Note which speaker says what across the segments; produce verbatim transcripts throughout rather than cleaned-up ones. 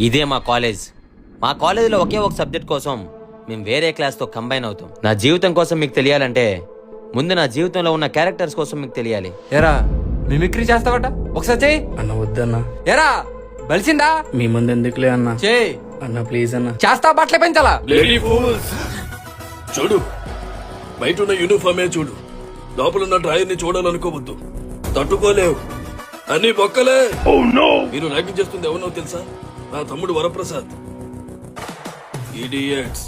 Speaker 1: ఇదే మా కాలేజ్. మా కాలేజీలో ఒకే ఒక సబ్జెక్ట్ కోసం మేము వేరే క్లాస్తో కంబైన్ అవుతాం. నా జీవితం కోసం మీకు తెలియాలంటే ముందు నా జీవితంలో ఉన్న క్యారెక్టర్స్ కోసం మీకు తెలియాలి.
Speaker 2: ఎరా మిమిక్రీ చేస్తావట, ఒకసారి చెయ్యి
Speaker 3: అన్న వద్దన్నా.
Speaker 2: ఎరా బలిసిందా?
Speaker 3: మీ ముందు ఎందుకులే అన్న.
Speaker 2: చెయ్యి
Speaker 3: అన్న ప్లీజ్ అన్న.
Speaker 2: చేస్తా బట్టలే పెంచాలా?
Speaker 4: చూడు, బయట ఉన్న యూనిఫామే చూడు, లోపలున్న డ్రాయర్ ని చూడాలనుకోవద్దు. తట్టుకోలేవు, అన్ని బొక్కలే. మీరు ర్యాగింగ్ చేస్తుంది ఎవరినో తెలుసా? నా తమ్ముడు వరప్రసాద్. ఇడియట్స్.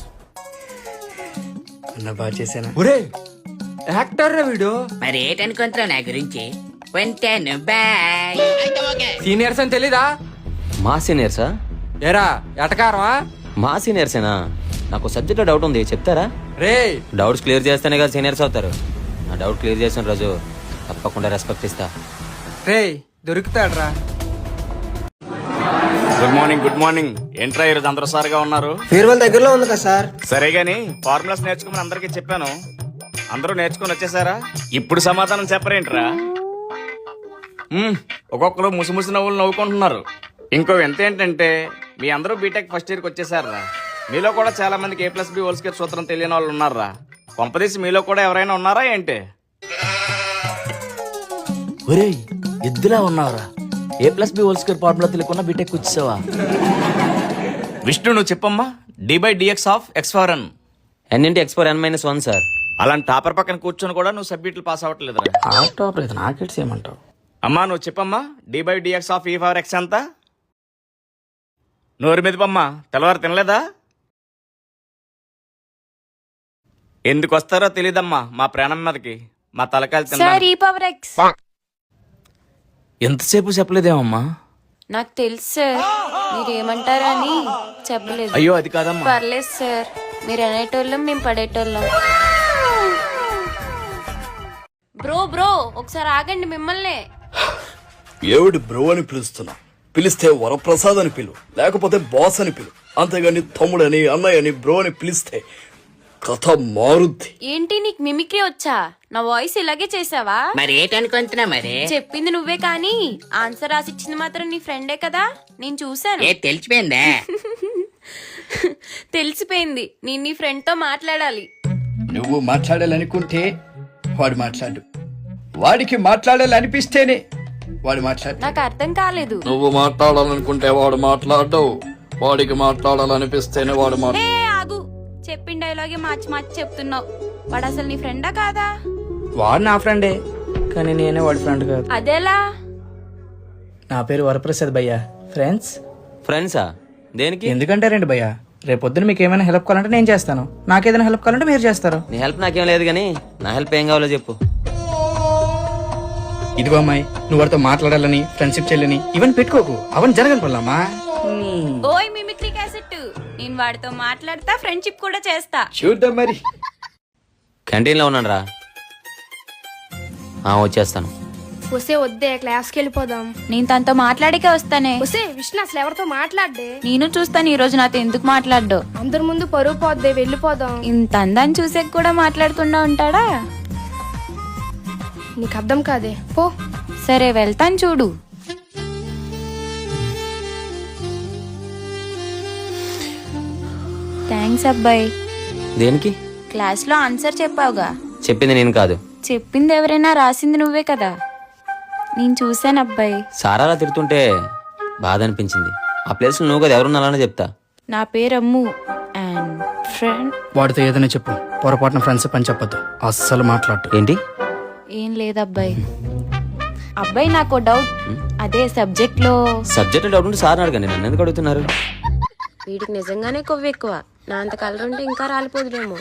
Speaker 3: అన్న బాగా చేశానా?
Speaker 2: ఒరే యాక్టర్ రా వీడు.
Speaker 5: మరి ఏటనుకుంటున్నావు నా గురించి? ఉంటాను, బాయ్.
Speaker 2: సీనియర్స్ అని తెలీదా?
Speaker 1: మా సీనియర్సా?
Speaker 2: ఎరా ఎటకారమా?
Speaker 1: మా సీనియర్సేనా? నాకు సబ్జెక్ట్లో డౌట్ ఉంది, చెప్తారా?
Speaker 2: రే
Speaker 1: డౌట్స్ క్లియర్ చేస్తేనే కదా సీనియర్స్ అవుతారు. నా డౌట్ క్లియర్ చేసిన రోజు తప్పకుండా రెస్పెక్ట్ ఇస్తా.
Speaker 2: రే దొరుకుతాడ్రా.
Speaker 6: Good morning. Good morning. ఏంట్రా ఈరోజు అందరూ సార్గా ఉన్నారు?
Speaker 7: ఫేర్వెల్ దగ్గరలో ఉంది కదా సార్.
Speaker 6: సరే గాని ఫార్ములాస్ నేర్చుకోమని అందరికీ చెప్పాను, అందరూ నేర్చుకుని వచ్చేసారా? ఇప్పుడు సమాధానం చెప్పరేంట్రా? మ్మ్, ఒక్కొక్కరు ముసిముసి నవ్వులు నవ్వుకుంటున్నారు. ఇంకో ఎంత ఏంటంటే మీ అందరూ బీటెక్ ఫస్ట్ ఇయర్కి వచ్చేసారా. మీలో కూడా చాలా మందికి A plus B whole square సూత్రం తెలియని వాళ్ళు ఉన్నారా? కొంపదీసి మీలో కూడా ఎవరైనా ఉన్నారా ఏంటి?
Speaker 8: ఒరేయ్ ఎద్దులా ఉన్నావురా. A plus B whole square formula తెలియకుండా బీటెక్ వచ్చేసావా?
Speaker 6: విష్ణు నువ్వు చెప్పమ్మా. D by dx of x power n.
Speaker 1: N into x power n minus one sir.
Speaker 6: అలాంటి టాపర్ పక్కన కూర్చొని కూడా నువ్వు సబ్జెక్టులు పాస్ అవ్వట్లేదురా.
Speaker 3: టాప్ లేదు నాకెట్స్ ఏమంటావు?
Speaker 6: అమ్మా నువ్వు చెప్పమ్మా. D by dx of e power x ఎంత? నోరు మెదిపమ్మా. తెల్లవారు తినలేదా? ఎందుకు వస్తారో తెలీదమ్మా మా ప్రాణం మీదకి. మా తలకాయలు తిన్నా.
Speaker 8: ఎంతసేపు చెప్పలేదేమమ్మా?
Speaker 9: నాకు తెలుసు సార్, మీరేమంటారా అని చెప్పలేదు.
Speaker 6: అయ్యో అది కాదమ్మా.
Speaker 9: పర్లేదు సార్, మీరు అనేటోళ్ళం మేము పడేటోళ్ళం. బ్రో బ్రో ఒకసారి ఆగండి, మిమ్మల్ని.
Speaker 4: ఏవిడి బ్రో అని పిలుస్తున్నా? పిలిస్తే వరప్రసాద్ అని పిలు, లేకపోతే బాస్ అని పిలు. అంతేగాని తమ్ముడని అన్నయ్య అని బ్రో అని పిలిస్తే కథ మారుద్ది.
Speaker 9: ఏంటి నీకు మిమిక్రీ వచ్చా? నా వాయిస్ ఇలాగే చేసావా?
Speaker 5: మరి ఏటనుకుంటున్నావు? మరి
Speaker 9: చెప్పింది నువ్వే కానీ ఆన్సర్ రాసిచ్చింది మాత్రం నీ ఫ్రెండే కదా, నేను చూసాను.
Speaker 5: ఏ తెలిసిపోయిందా?
Speaker 9: తెలిసిపోయింది. నేను నీ ఫ్రెండ్ తో మాట్లాడాలి.
Speaker 3: నువ్వు మాట్లాడాలనుకుంటే వాడు మాట్లాడు, వాడికి మాట్లాడాలనిపిస్తేనే వాడు మాట్లాడు.
Speaker 9: నాకు అర్థం కాలేదు.
Speaker 4: నువ్వు మాట్లాడాలనుకుంటే వాడు మాట్లాడవు, వాడికి మాట్లాడాలనిపిస్తేనే వాడు మాట్లాడు.
Speaker 9: ఏ ఆగు, చెప్పిన డైలాగే మార్చి మార్చి చెప్తున్నావు. వాడు అసలు నీ ఫ్రెండా కాదా?
Speaker 3: వాడు నా ఫ్రెండే, కానీ నేనే వాడి ఫ్రెండ్ కాదు.
Speaker 9: అదేలా?
Speaker 3: నా పేరు వరప్రసాద్ భయ్యా. ఫ్రెండ్స్
Speaker 1: ఫ్రెండ్సా? దేనికి?
Speaker 3: ఎందుకంటే రండి భయ్యా, రేపొద్దున మీకు ఏమైనా హెల్ప్ కావాలంటే నేను చేస్తాను, నాకేదైనా హెల్ప్ కావాలంటే మీరు చేస్తారు.
Speaker 1: నీ హెల్ప్ నాకేం లేదు కానీ నా హెల్ప్ ఏం కావాలో చెప్పు.
Speaker 3: ఇదిగో అమ్మాయి, నువ్వు వాడితో మాట్లాడాలని ఫ్రెండ్షిప్ చెల్లని ఇవన్నీ పెట్టుకోకు, అవన్నీ జరగని పనులమ్మా.
Speaker 9: ఓయ్ మిమిక్రీ క్యాసెట్, నేను వాడితో మాట్లాడతా, ఫ్రెండ్షిప్ కూడా చేస్తా.
Speaker 3: చూద్దాం మరి.
Speaker 1: క్యాంటీన్లో ఉన్నాను రా, వచ్చేస్తాను.
Speaker 10: వస్తే వద్దే, క్లాస్కి వెళ్ళిపోదాం.
Speaker 9: నేను తనతో మాట్లాడికే వస్తానే.
Speaker 10: వస్తే విష్ణు అసలు ఎవరితో మాట్లాడే?
Speaker 9: నేను చూస్తాను ఈ రోజు నాతో ఎందుకు మాట్లాడ్డు.
Speaker 10: అందరి ముందు పరువు పోద్దే, వెళ్ళిపోదాం.
Speaker 9: ఇంత అందాన్ని చూసే కూడా మాట్లాడకుండా ఉంటాడా?
Speaker 10: నీకు అర్థం కాదే, పో.
Speaker 9: సరే వెళ్తాను, చూడు. థ్యాంక్స్ అబ్బాయి.
Speaker 1: దేనికి?
Speaker 9: క్లాస్ లో ఆన్సర్ చెప్పావుగా.
Speaker 1: చెప్పింది నేను కాదు.
Speaker 9: చెప్పింది ఎవరైనా, రాసింది నువ్వే కదా. నేను చూశాను అబ్బాయి.
Speaker 1: సారాలా తిడుతుంటే బాధ అనిపించింది. ఆ ప్లేస్ లో నువ్వు కదా ఎవరున్నారని చెప్తా.
Speaker 9: నా పేరు అమ్ము అండ్ ఫ్రెండ్.
Speaker 3: వాడితో ఏదైనా చెప్పు, పొరపాటున ఫ్రెండ్షిప్ అని చెప్పొద్దు, అస్సలు మాట్లాడు.
Speaker 1: ఏంటి?
Speaker 9: ఏం లేదు అబ్బాయి. అబ్బాయి నాకు డౌట్, అదే సబ్జెక్ట్ లో.
Speaker 1: సబ్జెక్ట్ డౌట్ ఉంటే సార్ అడగండి, నన్ను ఎందుకు అడుగుతున్నారు?
Speaker 9: వీడికి నిజంగానే కొవ్వు ఎక్కువ. నా అంత కలర్ ఉంటే ఇంకా రాలిపోదులేమో.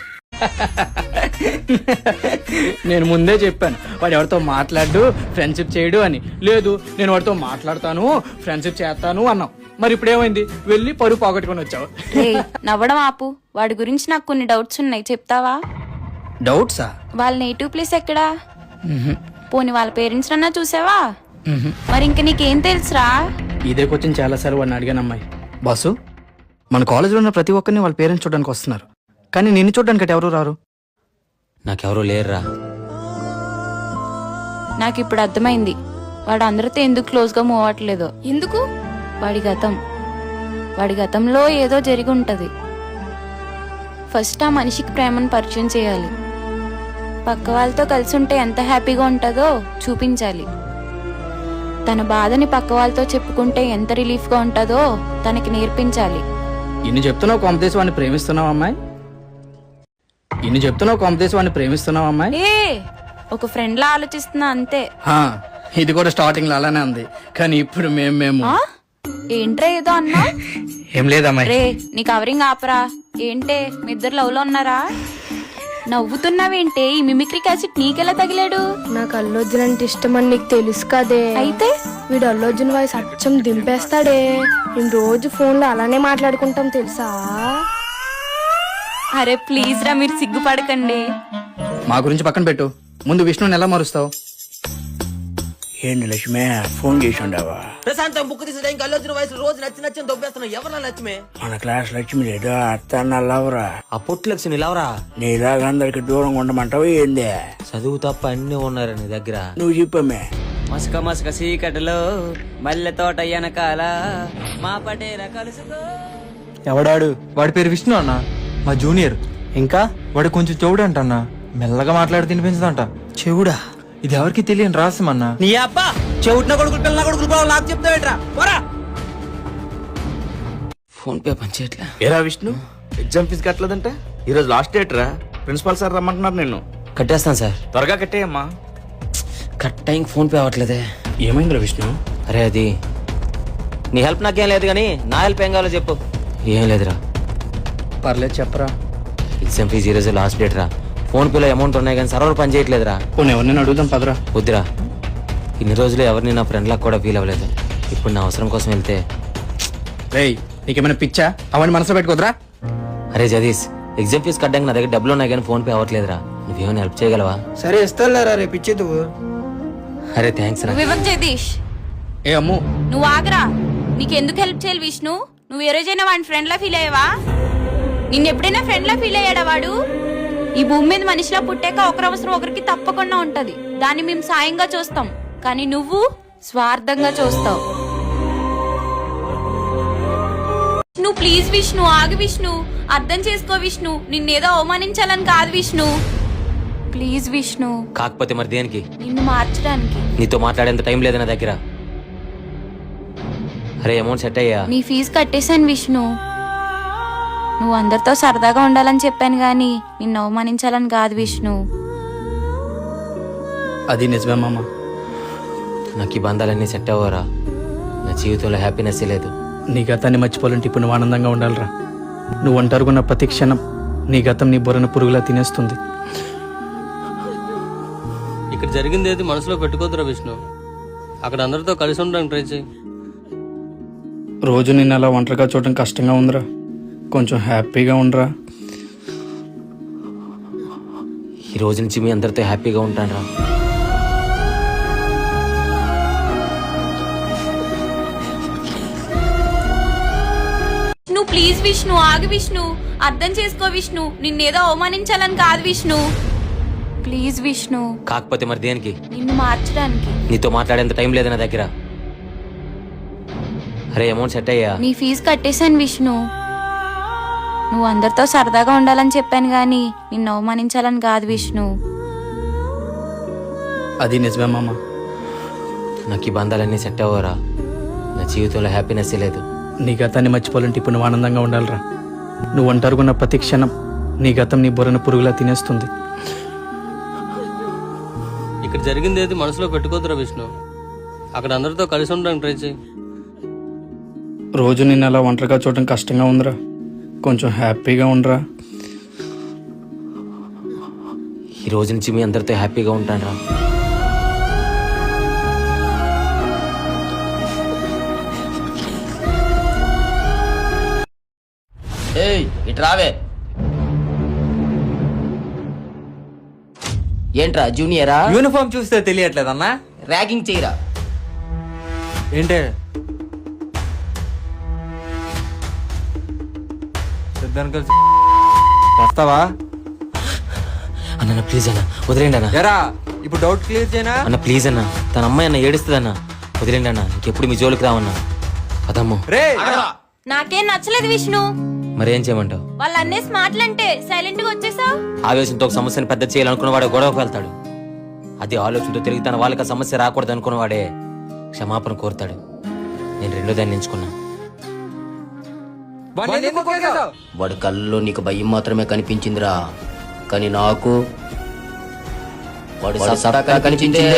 Speaker 3: నేను ముందే చెప్పాను వాడు ఎవరితో మాట్లాడు, ఫ్రెండ్షిప్ చేయడు అని. లేదు నేను వాడితో మాట్లాడతాను, ఫ్రెండ్షిప్ చేస్తాను అన్నావు. మరి ఇప్పుడు ఏమైంది? వెళ్ళి పరువు పోగొట్టుకొని వచ్చావు.
Speaker 9: నవ్వడం ఆపు. వాడి గురించి నాకు కొన్ని డౌట్స్ ఉన్నాయి, చెప్తావా?
Speaker 3: డౌట్సా?
Speaker 9: వాళ్ళ నేటివ్ ప్లేస్ ఎక్కడా? పోనీ వాళ్ళ పేరెంట్స్ అన్నా చూసావా? మరి ఇంక నీకేం తెలుసురా?
Speaker 3: ఇదే క్వశ్చన్ చాలా సార్లు వాడిని అడిగాను. అమ్మాయి బాసు, మన కాలేజీలో ఉన్న ప్రతి ఒక్కరిని వాళ్ళ పేరెంట్స్ చూడడానికి వస్తున్నారు, కానీ నిన్ను చూడడానికి ఎవరు రారు.
Speaker 1: నాకెవరూ లేరురా.
Speaker 9: నాకు ఇప్పుడు అర్థమైంది వాడు అందరితో ఎందుకు క్లోజ్ గా మూవ్ అవ్వట్లేదు.
Speaker 10: ఎందుకు?
Speaker 9: వాడి గతం. వాడి గతంలో ఏదో జరిగి ఉంటది. ఫస్ట్ ఆ మనిషికి ప్రేమను పరిచయం చేయాలి. పక్క వాళ్ళతో కలిసి ఉంటే ఎంత హ్యాపీగా ఉంటుందో చూపించాలి. తన బాధని పక్క వాళ్ళతో చెప్పుకుంటే ఎంత రిలీఫ్గా ఉంటుందో తనకి నేర్పించాలి.
Speaker 3: ఇన్ని చెప్తున్నావు కాంపిటీస్ వాడిని ప్రేమిస్తున్నావు అమ్మాయి ఇన్ని చెప్తున్నావు కాంపిటీస్ వాడిని ప్రేమిస్తున్నావు అమ్మాయి
Speaker 9: ఏ ఒక ఫ్రెండ్ లా ఆలోచిస్తున్నా అంతే.
Speaker 3: హా, ఇది కూడా స్టార్టింగ్ లో అలానే ఉంది, కానీ ఇప్పుడు మేము మేము
Speaker 9: ఆ? ఏంట్రా ఏదో అన్నా?
Speaker 3: ఏం లేదమ్మాయి.
Speaker 9: రే నీ కవరింగ్ ఆపరా. ఏంటే మీ ఇద్దరు లవ్ లో ఉన్నారా? నవ్వుతున్నావేంటే? ఈ మిమిక్రీ క్యాసెట్ నీకెలా తగిలాడు?
Speaker 10: నాకు అల్లు అర్జున్ అంటే ఇష్టం అని నీకు తెలుసు కదే.
Speaker 9: అయితే
Speaker 10: వీడు అల్లు అర్జున్ వాయిస్ అచ్చం దింపేస్తాడే. మేము రోజు ఫోన్ లో అలానే మాట్లాడుకుంటాం తెలుసా.
Speaker 9: అరే ప్లీజ్ రా, మీరు సిగ్గుపడకండి.
Speaker 3: మా గురించి పక్కన పెట్టు, ముందు విష్ణుని ఎలా మారుస్తావు?
Speaker 8: ఏంటి లక్ష్మి ఫోన్ చేసి ఉండవా?
Speaker 1: ప్రశాంతం బుక్ తీసి ఇంకా అల్లొచ్చిన వయసు రోజు నచ్చి నచ్చిన దొబ్బేస్తున్నావు. ఎవరా లక్ష్మి?
Speaker 8: మన క్లాస్ లక్ష్మి లేదా అత్త నల్లవరా?
Speaker 1: ఆ పొట్టు లక్ష్మి నిలవరా.
Speaker 8: నీలాగా అందరికి దూరంగా ఉండమంటావు ఏంది?
Speaker 1: చదువు తప్ప అన్ని ఉన్నారు నీ దగ్గర.
Speaker 8: నువ్వు చెప్పమే.
Speaker 1: మసక మసక సీకటిలో మల్లె తోట వెనకాల మా పటేల కలుసుకో.
Speaker 2: ఎవడాడు? వాడి పేరు విష్ణు అన్న, మా జూనియర్. ఇంకా వాడు కొంచెం చెవుడు అంట అన్న, మెల్లగా మాట్లాడి తినిపించదంట.
Speaker 8: చెవుడా?
Speaker 2: ఇది ఎవరికి తెలియని రహస్యం అన్న.
Speaker 1: నీ అబ్బా చెవుట్న కొడుకులు పిల్ల కొడుకులు కూడా నాకు చెప్తావేట్రా? పోరా. ఫోన్ పే పనిచేయట్లే.
Speaker 6: ఏరా విష్ణు, ఎగ్జామ్ ఫీజు కట్టలేదంట? ఈ రోజు లాస్ట్ డేట్ రా. ప్రిన్సిపాల్ సార్ రమ్మంటున్నారు నిన్ను.
Speaker 1: కట్టేస్తాను సార్.
Speaker 6: త్వరగా కట్టేయమ్మా.
Speaker 1: కట్ టైం ఫోన్ పే అవ్వట్లేదే.
Speaker 6: ఏమైందిరా విష్ణు?
Speaker 1: అరే అది నీ హెల్ప్ నాకేం లేదు కానీ నా హెల్ప్ ఏం కావాలో చెప్పు. ఏం లేదురా.
Speaker 3: పర్లేదు చెప్పరా.
Speaker 1: ఎగ్జామ్ ఫీజు ఈ రోజు లాస్ట్ డేట్ రా. ఫోన్ పేలో అమౌంట్ ఉన్నాయి కానీ సర్వర్ పని చేయట్లేదురా.
Speaker 3: పోనీ ఎవరిని అడుగుదాం పదరా.
Speaker 1: వద్దురా, ఇన్ని రోజులు ఎవరిని నా ఫ్రెండ్ లాగా కూడా ఫీల్ అవ్వలేదు. ఇప్పుడు నా అవసరం కోసం వెళ్తే.
Speaker 3: రేయ్ నీకేమైనా పిచ్చా? అవన్నీ మనసులో పెట్టుకోదరా.
Speaker 1: అరే జదీష్, ఎగ్జామ్ ఫీజు కట్టడానికి నా దగ్గర డబ్బులు ఉన్నాయి కానీ ఫోన్ పే అవ్వట్లేదురా. నువ్వేమైనా హెల్ప్ చేయగలవా?
Speaker 2: సరే ఇస్తారా రేపు ఇచ్చేది.
Speaker 1: అరే థ్యాంక్స్ రా.
Speaker 9: నువ్వు ఇవ్వకు జగదీష్.
Speaker 3: ఏ అమ్ము,
Speaker 9: నువ్వు ఆగరా. నీకెందుకు హెల్ప్ చేయాలి విష్ణు? నువ్వు ఏ రోజైనా వాడిని ఫ్రెండ్ లా ఫీల్ అయ్యావా? నిన్ను ఎప్పుడైనా ఫ్రెండ్ లా ఫీల్ అయ్యాడా వాడు? ఈ భూమి మీద మనిషిలా పుట్టాక ఒకరి అవసరం ఒకరికి తప్పకుండా ఉంటది. దాన్ని మేము సాయంగా చూస్తాం, కానీ నువ్వు స్వార్థంగా చూస్తావు. నువ్వు ప్లీజ్ విష్ణు, ఆగు విష్ణు, అర్థం చేసుకో విష్ణు. నిన్నేదో అవమానించాలని కాదు విష్ణు. ప్లీజ్ విష్ణు.
Speaker 1: కాకపోతే మరి దేనికి?
Speaker 9: నిన్ను మార్చడానికి.
Speaker 1: నీతో మాట్లాడేంత టైం లేదు నా దగ్గర. అరే అమౌంట్ సెట్ అయ్యా.
Speaker 9: నీ ఫీజు కట్టేశాను విష్ణు. నువ్వు అందరితో సరదాగా ఉండాలని చెప్పాను గాని నిన్ను అవమానించాలని కాదు విష్ణు.
Speaker 3: అది నిజమే మామ.
Speaker 1: నాకు ఈ బంధాలన్నీ సెట్ అవ్వరా. నా జీవితంలో హ్యాపీనెస్ లేదు.
Speaker 3: నీ గతాన్ని మర్చిపోవాలంటే ఇప్పుడు నువ్వు ఆనందంగా ఉండాలిరా. నువ్వు ఒంటరుగున్న ప్రతి క్షణం నీ గతం నీ బుర్రను పురుగులా తినేస్తుంది.
Speaker 7: ఇక్కడ జరిగింది ఏది మనసులో పెట్టుకోద్దురా విష్ణు. అక్కడ అందరితో కలిసి ఉండడానికి ట్రై చేయి.
Speaker 3: రోజు నిన్ను అలా ఒంటరిగా చూడడం కష్టంగా ఉందిరా. కొంచెం హ్యాపీగా ఉండరా.
Speaker 1: ఈ రోజు నుంచి మీ అందరితో హ్యాపీగా ఉంటాను రా.
Speaker 9: నువ్వు ప్లీజ్ విష్ణు, ఆగు విష్ణు, అర్థం చేసుకో విష్ణు. నిన్నేదో అవమానించాలని కాదు విష్ణు. ప్లీజ్ విష్ణు.
Speaker 1: కాకపోతే మరి దేనికి?
Speaker 9: నిన్ను మార్చడానికి.
Speaker 1: నీతో మాట్లాడేంత టైం లేదు నా దగ్గర. అరే అమౌంట్ సెట్ అయ్యా.
Speaker 9: నీ ఫీజు కట్టేశాను విష్ణు. నువ్వు అందరితో సరదాగా ఉండాలని చెప్పాను గాని నిన్ను అవమానించాలని కాదు విష్ణు.
Speaker 3: అది నిజమే మామ.
Speaker 1: నాకు ఈ బంధాలన్నీ సెట్ అవ్వరా. నా జీవితంలో హ్యాపీనెస్ లేదు.
Speaker 3: నీ గతాన్ని మర్చిపోవాలంటే ఇప్పుడు నువ్వు ఆనందంగా ఉండాలిరా. నువ్వు ఒంటరుగున్న ప్రతి క్షణం నీ గతం నీ బుర్రను పురుగులా తినేస్తుంది.
Speaker 7: ఇక్కడ జరిగింది ఏది మనసులో పెట్టుకోద్దురా విష్ణు. అక్కడ అందరితో కలిసి ఉండడానికి ట్రై చేయి.
Speaker 3: రోజు నిన్ను అలా ఒంటరిగా చూడడం కష్టంగా ఉందిరా. కొంచెం హ్యాపీగా ఉండరా.
Speaker 1: ఈ రోజు నుంచి మీ అందరితో హ్యాపీగా ఉంటాను రా.
Speaker 5: ఏయ్ ఇటు రావే. ఏంట్రా జూనియరా?
Speaker 2: యూనిఫామ్ చూస్తే తెలియట్లేదన్నా.
Speaker 5: ర్యాగింగ్ చేయరా.
Speaker 2: ఏంటే సిద్ధాన్ని కలిసి వస్తావా
Speaker 1: అన్న ప్లీజ్ అన్న వదిలేండి అన్న.
Speaker 2: ఎరా ఇప్పుడు డౌట్ క్లియర్ చేయనా?
Speaker 1: అన్న ప్లీజ్ అన్న, తన అమ్మాయి అన్న ఏడుస్తుంది అన్న. వదిలేండి అన్న, ఇంకెప్పుడు మీ జోలికి రావన్నా. అదమ్మో.
Speaker 2: రే
Speaker 9: నాకేం నచ్చలేదు విష్ణు.
Speaker 1: మరేం చేయమంటావు?
Speaker 9: వాళ్ళు అన్నేసి మాటలంటే సైలెంట్ గా వచ్చేసావు.
Speaker 1: ఆవేశంతో ఒక సమస్యను పెద్ద చేయాలనుకున్నవాడే గొడవకు వెళ్తాడు. అదే ఆలోచనతో తిరిగి తన వాళ్ళకి ఆ సమస్య రాకూడదు అనుకున్నవాడే క్షమాపణ కోరుతాడు. నేను రెండో దాన్ని ఎంచుకున్నా.
Speaker 5: వాడి కళ్ళలో నీకు భయం మాత్రమే కనిపించిందిరా, కానీ నాకు వాడు సత్తా కనిపించిందే.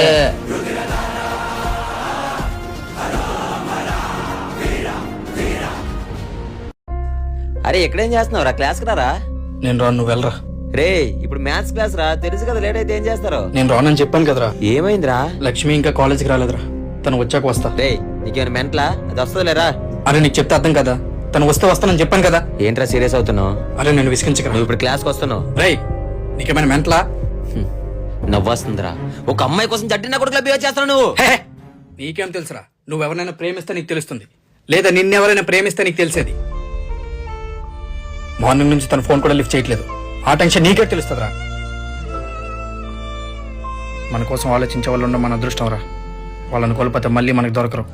Speaker 1: అరే ఎక్కడేం చేస్తున్నావు రా? క్లాస్ కి రారా?
Speaker 3: నేను రాను, నువ్వు వెళ్ళరా.
Speaker 1: రే ఇప్పుడు మ్యాథ్స్ క్లాస్ రా, తెలుసు కదా లేట్ అయితే ఏం చేస్తారో.
Speaker 3: నేను రానని చెప్పాను కదరా.
Speaker 1: ఏమైందిరా?
Speaker 3: లక్ష్మి ఇంకా కాలేజీకి రాలేదురా, తను వచ్చాక వస్తా.
Speaker 1: రే నీకేమైనా మెంట్లా? అది వస్తుందిలేరా.
Speaker 3: అరే నీకు చెప్తే అర్థం కదా, తను వస్తే వస్తానని చెప్పాను కదా.
Speaker 1: ఏంట్రా సీరియస్ అవుతున్నావు?
Speaker 3: అరే నేను విసిగించకరా.
Speaker 1: నువ్వు ఇప్పుడు క్లాస్కి వస్తున్నావు.
Speaker 3: రేయ్ నీకేమైనా మెంట్లా?
Speaker 1: నవ్వొస్తుందిరా. ఒక అమ్మాయి కోసం జట్టిన కొడుకులా బిహేవ్ చేస్తున్నావు నువ్వు.
Speaker 3: హే, నీకేం తెలుసురా? నువ్వు ఎవరైనా ప్రేమిస్తే నీకు తెలుస్తుంది, లేదా నిన్నెవరైనా ప్రేమిస్తే నీకు తెలిసేది. మార్నింగ్ నుంచి తన ఫోన్ కూడా లిఫ్ట్ చేయట్లేదు. ఆ టెన్షన్ నీకే తెలుస్తుందిరా. మన కోసం ఆలోచించే వాళ్ళు ఉండడం మన అదృష్టం రా. వాళ్ళని కోల్పోతే మళ్ళీ మనకు దొరకరు.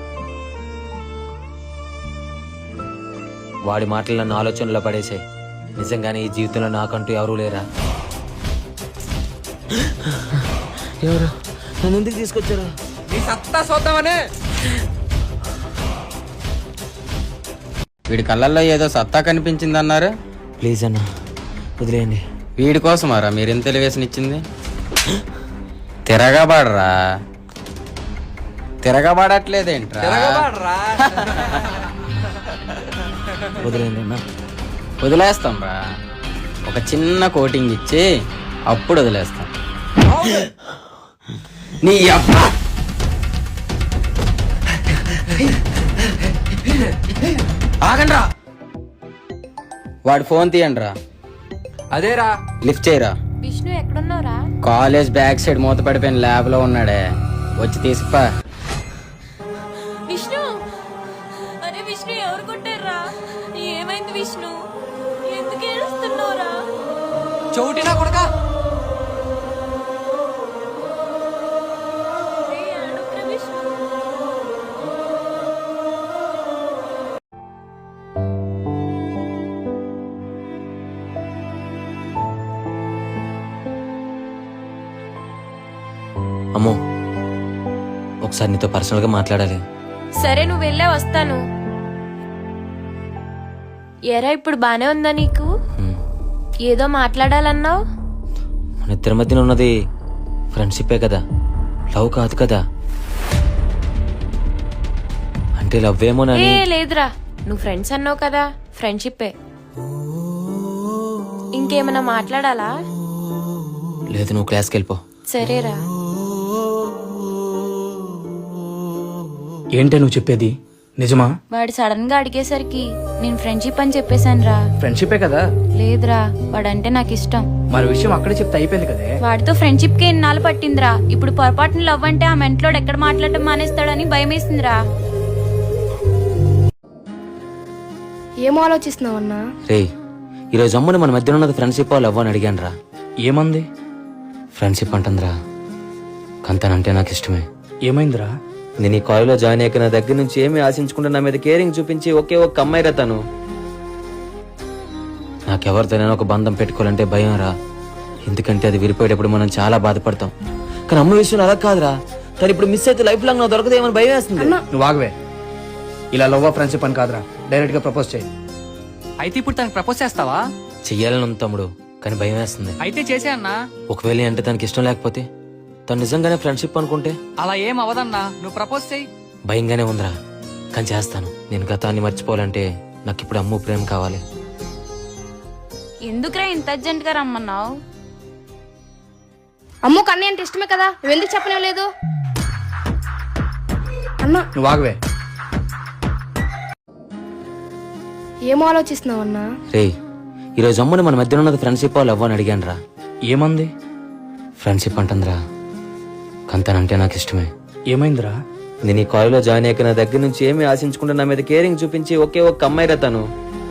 Speaker 1: వాడి మాటలు నన్ను ఆలోచనలో పడేసాయి. నిజంగానే ఈ జీవితంలో నాకంటూ ఎవరూ లేరా? ఎవరు నన్ను ఎందుకు తీసుకొచ్చారు?
Speaker 2: నీ సత్తా చూద్దామనే.
Speaker 11: వీడి కళ్ళల్లో ఏదో సత్తా కనిపించిందన్నారు.
Speaker 1: ప్లీజ్ అన్న వదిలేయండి.
Speaker 11: వీడి కోసమారా మీరు ఎంత ఎలివేషన్ తిరగబాడరా. తిరగబాడట్లేదేంట్రా?
Speaker 1: వదిలేయండి అన్న.
Speaker 11: వదిలేస్తాం రా, ఒక చిన్న కోటింగ్ ఇచ్చి అప్పుడు వదిలేస్తాం. నీ అబ్బ ఆగండ్రా. వాడి ఫోన్ తీయండి రా.
Speaker 2: అదేరా.
Speaker 11: లిఫ్ట్ చేయరా.
Speaker 9: విష్ణు ఎక్కడున్నావురా?
Speaker 11: కాలేజ్ బ్యాక్ సైడ్ మూత పడిపోయిన ల్యాబ్ లో ఉన్నాడే, వచ్చి తీసుకుపా.
Speaker 9: విష్ణు, అరే విష్ణు ఎవరు కొట్టారా? ఏమైంది విష్ణు? ఎందుకు ఏడుస్తున్నావురా?
Speaker 2: చౌటినా కొడకా.
Speaker 1: అమ్మో ఒకసారి నీతో పర్సనల్ గా మాట్లాడాలి.
Speaker 9: సరే నువ్వు వెళ్ళే వస్తాను. ఎరా ఇప్పుడు బానే ఉందా నీకు? ఏదో మాట్లాడాలన్నావు.
Speaker 1: మన ఇద్దరి మధ్యన ఉన్నది ఫ్రెండ్షిప్పే కదా, లవ్ కాదు కదా. అంటే లవ్ ఏమోనని.
Speaker 9: ఏ లేదురా, నువ్వు ఫ్రెండ్స్ అన్నావు కదా, ఫ్రెండ్షిప్పే. ఇంకేమైనా మాట్లాడాలా?
Speaker 1: లేదు, నువ్వు క్లాస్కి వెళ్ళిపో.
Speaker 9: సరేరా.
Speaker 3: ఏంటే నువ్వు చెప్పేది నిజమా?
Speaker 9: వాడు సడన్ గా అడిగేసరికి నేను ఫ్రెండ్షిప్ అని చెప్పేశాను రా.
Speaker 3: ఫ్రెండ్షిపే కదా.
Speaker 9: లేదురా, వాడంటే నాకు ఇష్టం.
Speaker 3: మరి విషయం అక్కడే చెప్తే అయిపోయింది కదే.
Speaker 9: వాడితో ఫ్రెండ్షిప్ కి ఎన్నాళ్ళు పట్టిందిరా. ఇప్పుడు పొరపాటున లవ్ అంటే ఆ మెంట్లోడు ఎక్కడ మాట్లాడటం మానేస్తాడని భయం వేసిందిరా.
Speaker 10: ఏం ఆలోచిస్తున్నావన్నా?
Speaker 1: రే ఈరోజు అమ్ముని మన మధ్యన ఉన్నది ఫ్రెండ్షిప్ లవ్ అని అడిగాను రా.
Speaker 3: ఏమంది?
Speaker 1: ఫ్రెండ్షిప్ అంటుందిరా. కంతనంటే నాకు ఇష్టమే.
Speaker 3: ఏమైందిరా?
Speaker 1: నేను ఈ కాలేజ్లో జాయిన్ అయ్యాక నా దగ్గర నుంచి ఏమీ ఆశించుకుంటే నా మీద కేరింగ్ చూపించి ఒకే ఒక్క అమ్మాయి రా తను. నాకెవరితోనైనా ఒక బంధం పెట్టుకోవాలంటే భయం రా. ఎందుకంటే అది విరిపోయేటప్పుడు మనం చాలా బాధపడతాం. కానీ అమ్మ విషయం అలా కాదురా. తను ఇప్పుడు మిస్ అయితే లైఫ్ లాంగ్ నాకు దొరకదేమని భయం వేస్తుంది.
Speaker 3: నువ్వు ఆగవే. ఇలా లవ్ ఫ్రెండ్షిప్ అని కాదురా, డైరెక్ట్ గా ప్రపోజ్ చేయి.
Speaker 2: అయితే ఇప్పుడు తనకు ప్రపోజ్ చేస్తావా?
Speaker 1: చెయ్యాలని ఉంది తమ్ముడు, కానీ భయం వేస్తుంది.
Speaker 2: అయితే చేసే అన్నా.
Speaker 1: ఒకవేళ అంటే తనకి ఇష్టం లేకపోతే, తను నిజంగానే ఫ్రెండ్షిప్ అనుకుంటే?
Speaker 2: అలా ఏం అవదన్నా, నువ్వు ప్రపోజ్ చేయి.
Speaker 1: భయంగానే ఉందిరా, కానీ చేస్తాను. నేను గతాన్ని మర్చిపోవాలంటే నాకు ఇప్పుడు అమ్ము ప్రేమ కావాలి.
Speaker 9: ఎందుకురా ఇంత అర్జెంట్ గా రమ్మన్నావు?
Speaker 10: అమ్మో కన్నయ్య అంటే ఇష్టమే కదా, నువ్వెందుకు చెప్పనే లేదు అన్నా?
Speaker 3: నువ్వు ఆగవే.
Speaker 10: ఏం ఆలోచిస్తున్నావన్నా?
Speaker 1: రే ఈరోజు అమ్ముని మన మధ్యన ఉన్నది ఫ్రెండ్షిప్ లవ్ అని అడిగాను రా.
Speaker 3: ఏమంది?
Speaker 1: ఫ్రెండ్షిప్ అంటుందిరా. కంతనంటే నాకు ఇష్టమే.
Speaker 3: ఏమైందిరా?
Speaker 1: నేను ఈ కాలేజ్లో జాయిన్ అయ్యాక నా దగ్గర నుంచి ఏమీ ఆశించుకుంటే నా మీద కేరింగ్ చూపించి ఒకే ఒక్క అమ్మాయి రా తను.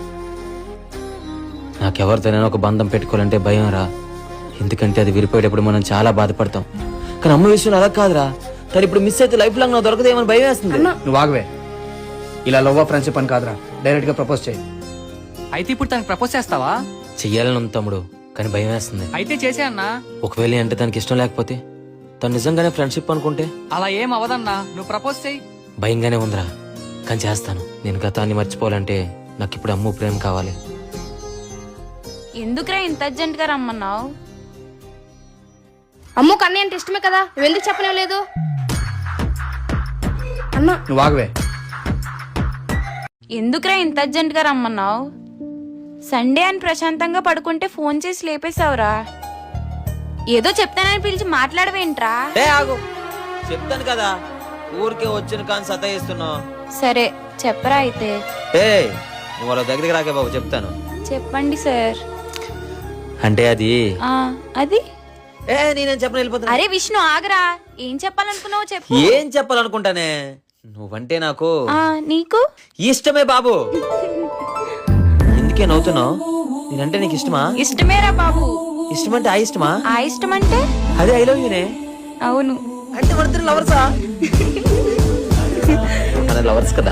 Speaker 1: నాకెవరితోనైనా ఒక బంధం పెట్టుకోవాలంటే భయం రా. ఎందుకంటే అది విరిపోయేటప్పుడు మనం చాలా బాధపడతాం. కానీ అమ్మ విషయం అలా కాదురా. తను ఇప్పుడు మిస్ అయితే లైఫ్ లాంగ్ నాకు దొరకదేమని భయం వేస్తుంది.
Speaker 3: నువ్వు ఆగవే. ఇలా లవ్ ఫ్రెండ్షిప్ అని కాదురా, డైరెక్ట్ గా ప్రపోజ్ చేయి.
Speaker 11: అయితే ఇప్పుడు తనకు ప్రపోజ్ చేస్తావా?
Speaker 1: చెయ్యాలని ఉంది తమ్ముడు, కానీ భయం వేస్తుంది.
Speaker 11: అయితే చేసే అన్నా.
Speaker 1: ఒకవేళ అంటే తనకి ఇష్టం లేకపోతే, తను నిజంగానే ఫ్రెండ్షిప్ అనుకుంటే?
Speaker 11: అలా ఏం అవదన్నా, నువ్వు ప్రపోజ్ చేయి.
Speaker 1: భయంగానే ఉందిరా, కానీ చేస్తాను. నేను గతాన్ని మర్చిపోవాలంటే నాకు ఇప్పుడు అమ్ము ప్రేమ కావాలి.
Speaker 9: ఎందుకురా ఇంత అర్జెంట్ గా రమ్మన్నావు?
Speaker 10: అమ్మో కన్నయ్య అంటే ఇష్టమే కదా, నువ్వెందుకు చెప్పనే లేదు అన్న?
Speaker 3: నువ్వు ఆగవే.
Speaker 9: ఎందుకురా ఇంత అర్జెంట్ గా రమ్మన్నావు? సండే అని ప్రశాంతంగా పడుకుంటే ఫోన్ చేసి లేపేశావురా. ఏదో చెప్తానని పిలిచి మాట్లాడవేంట్రా?
Speaker 1: ఏ ఆగు, చెప్తాను కదా, ఊరికే వచ్చిన కానీ సతాయిస్తున్నావు.
Speaker 9: సరే చెప్పరా అయితే.
Speaker 1: ఏ నువ్వు వాళ్ళ దగ్గరికి రాకే బాబు, చెప్తాను.
Speaker 9: చెప్పండి సార్.
Speaker 1: అంటే అది
Speaker 9: ఆ అది
Speaker 1: ఏ నేనేం చెప్పను, వెళ్ళిపోతున్నా.
Speaker 9: అరే విష్ణు ఆగరా, ఏం చెప్పాలనుకున్నావు చెప్పు.
Speaker 1: ఏం చెప్పాలనుకుంటానే, నువ్వంటే నాకు
Speaker 9: ఆ నీకు
Speaker 1: ఇష్టమే బాబు. ఎందుకే నవ్వుతున్నావు? నేనంటే నీకు ఇష్టమా?
Speaker 9: ఇష్టమేరా బాబు.
Speaker 1: ఇష్టమంటే ఆ ఇష్టమా?
Speaker 9: ఆ ఇష్టం అంటే
Speaker 1: అదే ఐ లవ్ యూనే.
Speaker 9: అవును.
Speaker 1: అంటే మన లవర్సా? మన లవర్స్ కదా.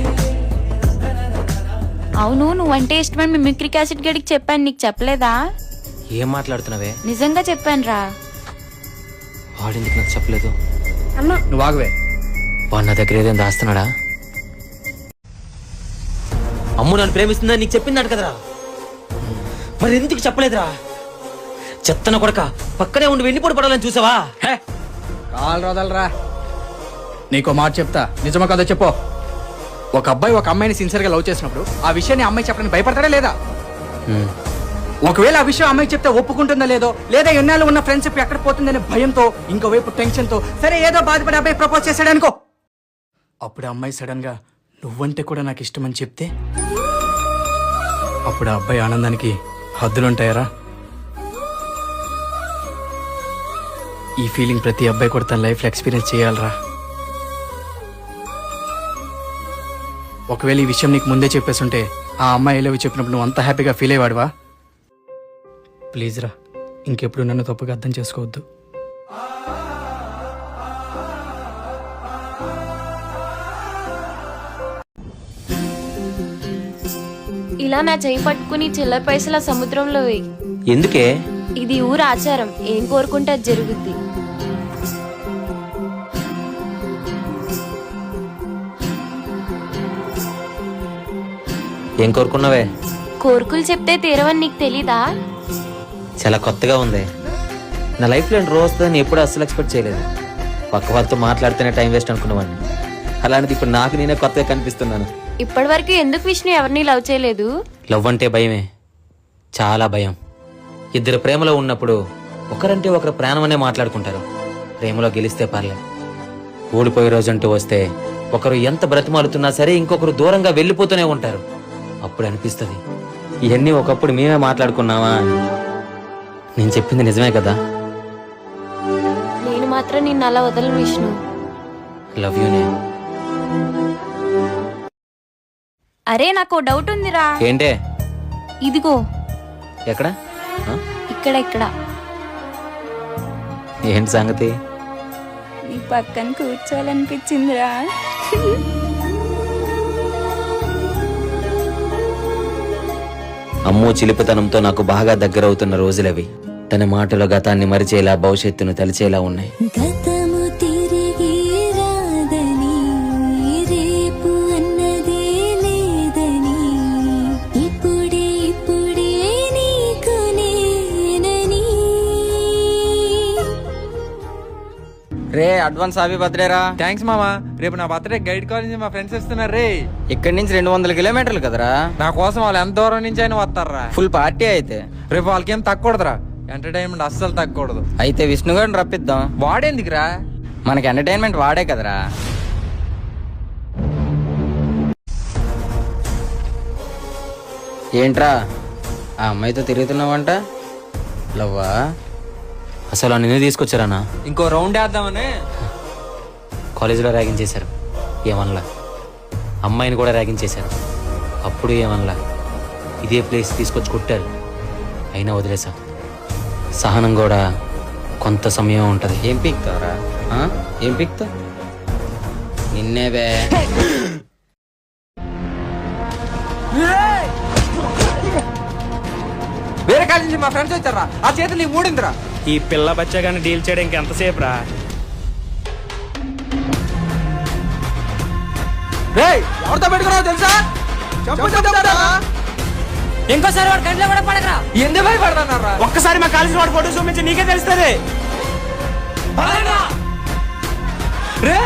Speaker 9: అవును, నువ్వంటే ఇష్టమని మిమిక్రీ క్యాసెట్ గడికి చెప్పాను, నీకు చెప్పలేదా?
Speaker 1: ఏం మాట్లాడుతున్నావే?
Speaker 9: నిజంగా చెప్పాను రా.
Speaker 1: వాడెందుకు నాకు చెప్పలేదు?
Speaker 10: అన్న
Speaker 3: నువ్వు ఆగవే.
Speaker 1: వాడు నా దగ్గర ఏదైనా దాస్తున్నాడా? అమ్ము నన్ను ప్రేమిస్తుందని నీకు చెప్పిందాడు కదరా, మరి ఎందుకు చెప్పలేదురా? చెత్తన కొడక, పక్కనే ఉండి వెన్నిపోటు పడాలని చూసావా?
Speaker 3: హే, కాలు రోదలరా. నీకో మాట చెప్తా, నిజమా కదా చెప్పు. ఒక అబ్బాయి ఒక అమ్మాయిని సిన్సియర్ గా లవ్ చేసినప్పుడు ఆ విషయాన్ని అమ్మాయి చెప్పడానికి భయపడతాడా లేదా?
Speaker 1: హ్మ్.
Speaker 3: ఒకవేళ ఆ విషయం అమ్మాయి చెప్తే ఒప్పుకుంటుందా లేదో, లేదా ఎన్నాళ్ళు ఉన్న ఫ్రెండ్షిప్ ఎక్కడ పోతుందనే భయంతో, ఇంకోవైపు టెన్షన్ తో, సరే ఏదో బాధపడి అబ్బాయి ప్రపోజ్ చేశాడు అనుకో, అప్పుడు ఆ అమ్మాయి సడన్ గా నువ్వంటే కూడా నాకు ఇష్టం అని చెప్తే, అప్పుడు ఆ అబ్బాయి ఆనందానికి హద్దులుంటాయరా? ఈ ఫీలింగ్ ప్రతి అబ్బాయి కూడా తన లైఫ్ లో ఎక్స్పీరియన్స్ చేయాలరా. ఒకవేళ ఈ విషయం నీకు ముందే చెప్పేస్తుంటే ఆ అమ్మాయి లవ్ చెప్పినప్పుడు నువ్వు అంత హ్యాపీగా ఫీల్ అయ్యేవాడువా? ప్లీజ్ రా, ఇంకెప్పుడు నన్ను తప్పుగా అర్థం చేసుకోవద్దు.
Speaker 9: ఇలా నా చేయి పట్టుకుని చిల్లర పైసల సముద్రంలో వేయి.
Speaker 1: ఎందుకే?
Speaker 9: ఇది ఊరు ఆచారం, ఏం కోరుకుంటే అది జరుగుద్ది.
Speaker 1: ఏం కోరుకున్నావే?
Speaker 9: కోరుకులు చెప్తే తీరవని నీకు తెలీదా?
Speaker 1: చాలా కొత్తగా ఉంది. నా లైఫ్ లో రోజు వస్తుందని ఎప్పుడు అస్సలు ఎక్స్పెక్ట్ చేయలేదు. పక్క వాళ్ళతో మాట్లాడితేనే టైం వేస్ట్ అనుకున్నవాడిని, అలాంటిది ఇప్పుడు నాకు నేనే కొత్తగా కనిపిస్తున్నాను.
Speaker 9: ఇప్పటి వరకు ఎందుకు విష్ణు ఎవరిని లవ్ చేయలేదు?
Speaker 1: లవ్ అంటే భయమే, చాలా భయం. ఇద్దరు ప్రేమలో ఉన్నప్పుడు ఒకరంటే ఒకరు ప్రాణమనే మాట్లాడుకుంటారు. ప్రేమలో గెలిస్తే పర్లే, ఓడిపోయే రోజంటూ వస్తే ఒకరు ఎంత బ్రతిమాలుతున్నా సరే ఇంకొకరు దూరంగా వెళ్ళిపోతూనే ఉంటారు. అప్పుడు అనిపిస్తుంది, ఇవన్నీ ఒకప్పుడు మేమే మాట్లాడుకున్నావా అని. నేను చెప్పింది నిజమే కదా?
Speaker 9: నేను మాత్రం నిన్ను అలా వదలను విష్ణు.
Speaker 1: లవ్ యూనే.
Speaker 9: అరే నాకు డౌట్ ఉందిరా.
Speaker 1: ఏంటే?
Speaker 9: ఇదిగో.
Speaker 1: ఎక్కడ? ఆ?
Speaker 9: ఇక్కడ ఇక్కడ.
Speaker 1: ఏంటి సంగతి?
Speaker 9: నీ పక్కన కూర్చోవాలనిపించిందిరా.
Speaker 1: అమ్మో చిలిపితనంతో నాకు బాగా దగ్గరవుతున్న రోజులవి. తన మాటలో గతాన్ని మరిచేలా, భవిష్యత్తును తలిచేలా ఉన్నాయి.
Speaker 12: గతము తిరిగి రాదని, రేపు అన్నదే లేదని, ఇప్పుడే ఇప్పుడే నీకు నేనని.
Speaker 11: రే అడ్వాన్స్ హ్యాపీ బర్త్డే రా.
Speaker 2: థ్యాంక్స్ మామా. రేపు నా బర్త్డే గైడ్ కాలేజ్ మా ఫ్రెండ్స్ వస్తున్నారు రే.
Speaker 11: ఇక్కడి నుంచి రెండు వందల కిలోమీటర్లు కదరా.
Speaker 2: నా కోసం వాళ్ళు ఎంత దూరం నుంచి అయినా వస్తారా.
Speaker 11: ఫుల్ పార్టీ అయితే.
Speaker 2: రేపు వాళ్ళకి ఏం తగ్గకూడదురా, ఎంటర్టైన్మెంట్ అస్సలు తగ్గకూడదు.
Speaker 11: అయితే విష్ణు గారిని రప్పిద్దాం.
Speaker 2: వాడేందుకురా?
Speaker 11: మనకి ఎంటర్టైన్మెంట్ వాడే కదరా. ఏంట్రా ఆ అమ్మాయితో తిరుగుతున్నావంట? లవ్వా?
Speaker 1: అసలు నిన్ను తీసుకొచ్చారన్నా.
Speaker 2: ఇంకో రౌండ్ వేద్దామని.
Speaker 1: కాలేజీలో ర్యాగింగ్ చేశారు, ఏమనలా. అమ్మాయిని కూడా ర్యాగింగ్ చేశారు, అప్పుడు ఏమనలా. ఇదే ప్లేస్ తీసుకొచ్చి కొట్టారు, అయినా వదిలేసా. సహనం కూడా కొంత సమయం ఉంటది.
Speaker 11: ఏం పీక్తావరా? ఏం పీక్తావు? నిన్నే బే.
Speaker 2: కాలేజ్ నుంచి మా ఫ్రెండ్స్ వచ్చారా ఆ చేతులు నీకు మూడిందిరా.
Speaker 6: ఈ పిల్ల బచ్చగాని డీల్ చేయడం ఇంకెంతసేపు రా?
Speaker 2: రేయ్ ఎవరితో పెట్టుకున్నావు తెలుసా? చెప్పు చెప్తారా?
Speaker 5: ఇంకోసారి వాడు కంట్లో కూడా పడకరా.
Speaker 2: ఎందుకు భయపడతారా?
Speaker 6: ఒక్కసారి మా కాలేజీ వాడు ఫోటో చూపించి నీకే తెలుస్తుంది.
Speaker 2: రే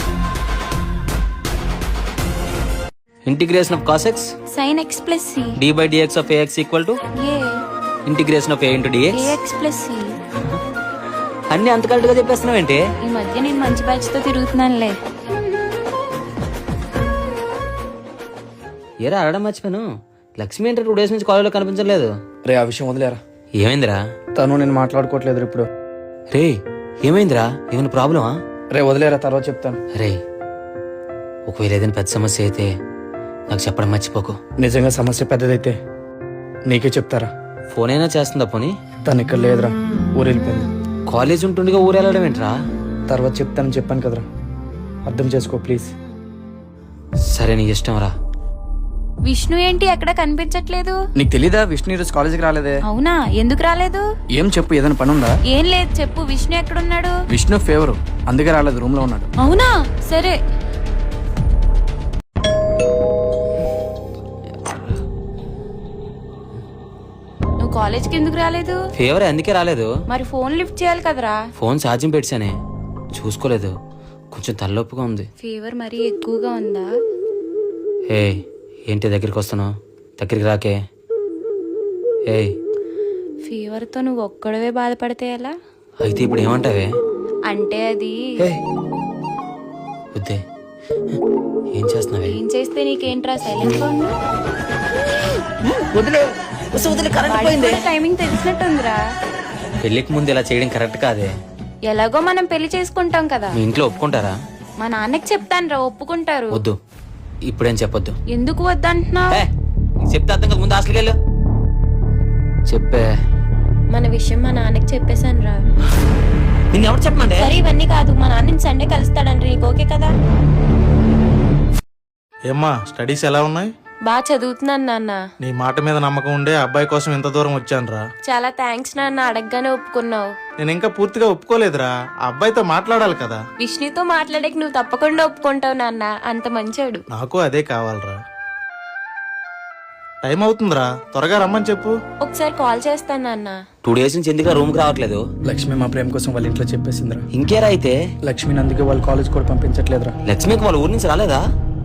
Speaker 1: integration of cos x
Speaker 9: sine x plus c
Speaker 1: d by dx of a x equal to
Speaker 9: a
Speaker 1: integration of a into dx
Speaker 9: a x plus c.
Speaker 1: అన్ని అంత కరెక్ట్ గా చెప్పేస్తున్నావు ఏంటి?
Speaker 9: ఈ మధ్య నేను మంచి బ్యాచ్ తో తిరుగుతున్నానులే.
Speaker 1: ఏరా అడగడం మర్చిపోయాను, లక్ష్మి అంటే టూ డేస్ నుంచి కాలేజ్లో కనిపించలేదు.
Speaker 3: రే ఆ విషయం వదిలేరా.
Speaker 1: ఏమైందిరా?
Speaker 3: తను నేను మాట్లాడుకోవట్లేదు ఇప్పుడు.
Speaker 1: రే ఏమైందిరా? ఏమైనా ప్రాబ్లమా?
Speaker 3: రే వదిలేరా, తర్వాత చెప్తాను.
Speaker 1: రే ఒకవేళ ఏదైనా పెద్ద సమస్య అయితే నాకు చెప్పడం మర్చిపోకు.
Speaker 3: నిజంగా సమస్య పెద్దదైతే నీకే చెప్తారా.
Speaker 1: ఫోన్ అయినా చేస్తుందా పోనీ?
Speaker 3: తను ఇక్కడ లేదురా, ఊరు వెళ్ళిపోయింది.
Speaker 1: కాలేజ్ ఉంటుండగా ఊరు వెళ్ళడం ఏంట్రా?
Speaker 3: తర్వాత చెప్తానని చెప్పాను కదరా, అర్థం చేసుకో ప్లీజ్.
Speaker 1: సరే నీ ఇష్టం రా.
Speaker 9: విష్ణు ఏంటి ఎక్కడ కనిపించట్లేదు?
Speaker 3: నీకు తెలీదా విష్ణు ఈరోజు కాలేజీకి రాలేదే?
Speaker 9: అవునా, ఎందుకు రాలేదు?
Speaker 3: ఏం చెప్పు, ఏదైనా పని ఉందా?
Speaker 9: ఏం లేదు చెప్పు. విష్ణు ఎక్కడున్నాడు?
Speaker 3: విష్ణు ఫేవరు, అందుకే రాలేదు, రూమ్ లో ఉన్నాడు.
Speaker 9: అవునా, సరే. నువ్వు కాలేజ్కి ఎందుకు రాలేదు?
Speaker 1: ఫేవర్ అందుకే రాలేదు.
Speaker 9: మరి ఫోన్ లిఫ్ట్ చేయాలి కదరా.
Speaker 1: ఫోన్ ఛార్జింగ్ పెట్టానే, చూసుకోలేదు. కొంచెం తలనొప్పిగా ఉంది.
Speaker 9: ఫీవర్ మరీ ఎక్కువగా ఉందా?
Speaker 1: ఏ ఏంటి దగ్గరికి వస్తున్నావు? దగ్గరికి రాకే. ఏయ్
Speaker 9: ఫీవర్ తో నువ్వు ఒక్కడవే బాధపడితే ఎలా?
Speaker 1: అయితే ఇప్పుడు ఏమంటావే?
Speaker 9: అంటే అది
Speaker 1: వద్దే. ఏం చేస్తున్నావే?
Speaker 9: ఏం చేస్తే నీకేంట్రా, సైలెంట్ గా ఉండు.
Speaker 5: వదిలే వదిలే కరెంట్ పోయింది.
Speaker 9: టైమింగ్ తెలిసినట్టుందిరా.
Speaker 1: పెళ్లికి ముందు ఇలా చేయడం కరెక్ట్ కాదే.
Speaker 9: ఎలాగో మనం పెళ్లి చేసుకుంటాం కదా.
Speaker 1: మీ ఇంట్లో ఒప్పుకుంటారా?
Speaker 9: మా నాన్నకి చెప్తాను రా, ఒప్పుకుంటారు.
Speaker 1: వద్దు, ఇప్పుడేం చెప్పొద్దు.
Speaker 9: ఎందుకు వద్దంటున్నావు?
Speaker 1: ఏ, నీకు చెప్తే అర్థం కదా, ముందు హాస్టల్కి వెళ్ళు. చెప్పే.
Speaker 9: మన విషయం మా నాన్నకి చెప్పేశాను రా.
Speaker 1: నిన్ను ఎవరు చెప్పమంటే?
Speaker 9: సరే ఇవన్నీ కాదు, మా నాన్న సండే కలుస్తాడంటే నీకు ఓకే కదా?
Speaker 13: ఏమ్మా స్టడీస్ ఎలా ఉన్నాయి?
Speaker 9: బాగా చదువుతున్నాను నాన్న.
Speaker 13: నీ మాట మీద నమ్మకం ఉండే అబ్బాయి కోసం ఇంత దూరం వచ్చాను రా.
Speaker 9: చాలా థ్యాంక్స్ నాన్న, అడగగానే ఒప్పుకున్నావు.
Speaker 13: నేను ఇంకా పూర్తిగా ఒప్పుకోలేదురా, ఆ అబ్బాయితో మాట్లాడాలి కదా.
Speaker 9: విష్ణుతో మాట్లాడక నువ్వు తప్పకుండా ఒప్పుకుంటావు నాన్న, అంత మంచోడు.
Speaker 13: నాకు అదే కావాలరా. టైం అవుతుందిరా, త్వరగా రమ్మని చెప్పు.
Speaker 9: ఒకసారి కాల్ చేస్తాను నాన్న.
Speaker 1: టూ డేస్ నుంచి ఎందుకు రూమ్ కి రావట్లేదు?
Speaker 3: లక్ష్మి మా ప్రేమ కోసం వాళ్ళ ఇంట్లో చెప్పేసిందిరా.
Speaker 1: ఇంకేరా అయితే?
Speaker 3: లక్ష్మిని అందుకే వాళ్ళ కాలేజ్ కూడా పంపించట్లేదురా.
Speaker 1: లక్ష్మికి వాళ్ళ ఊరి నుంచి రాలేదా?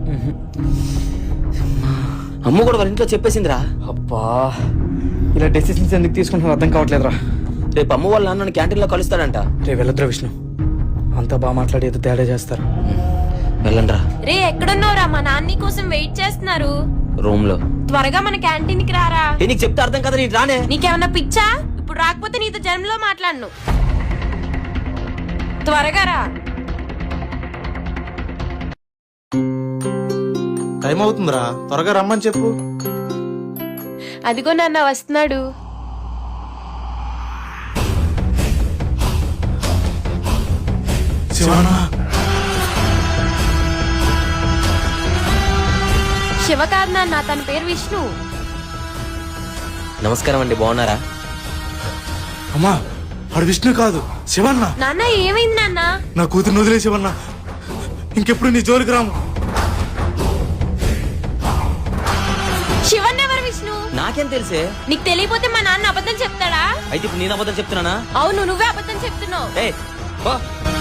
Speaker 1: అమ్మ కూడా వాళ్ళ ఇంట్లో చెప్పేసిందిరా.
Speaker 3: అబ్బా, ఇలా డెసిషన్స్ ఎందుకు తీసుకుంటున్నా అర్థం కావట్లేదురా.
Speaker 1: రేపు అమ్మ వాళ్ళ నాన్న క్యాంటీన్ లో కలుస్తాడంట.
Speaker 3: రే వెళ్ళొద్దురా విష్ణు, అంతా బాగా మాట్లాడి ఏదో తేడా చేస్తారు.
Speaker 1: వెళ్ళండ్రా.
Speaker 9: రే ఎక్కడున్నావురా? మా నాన్న కోసం వెయిట్ చేస్తున్నారు
Speaker 1: రూమ్ లో.
Speaker 9: త్వరగా మన క్యాంటీన్ కి రారా.
Speaker 1: ఏ, నీకు చెప్తే అర్థం కదా, నీకు రానే.
Speaker 9: నీకేమన్నా పిచ్చా? ఇప్పుడు రాకపోతే నీతో జన్మలో మాట్లాడను. త్వరగా రా.
Speaker 13: టైం అవుతుందిరా, త్వరగా రమ్మని చెప్పు.
Speaker 9: అదిగో నాన్న వస్తున్నాడు.
Speaker 13: శివనా,
Speaker 9: శివ కాదు నాన్న, తన పేరు విష్ణు.
Speaker 1: నమస్కారం అండి, బాగున్నారా?
Speaker 13: అమ్మా వాడు విష్ణు కాదు శివన్న.
Speaker 9: నాన్న ఏమైంది నాన్న?
Speaker 13: నా కూతురు వదిలే శివన్న, ఇంకెప్పుడు నీ జోలికి రాము.
Speaker 9: శివన్ ఎవరు? విష్ణు.
Speaker 1: నాకేం తెలిసే?
Speaker 9: నీకు తెలియపోతే మా నాన్న అబద్ధం చెప్తాడా?
Speaker 1: అయితే ఇప్పుడు నేను అబద్ధం చెప్తున్నానా?
Speaker 9: అవును, నువ్వే అబద్ధం చెప్తున్నావు.
Speaker 1: ఏయ్, బా.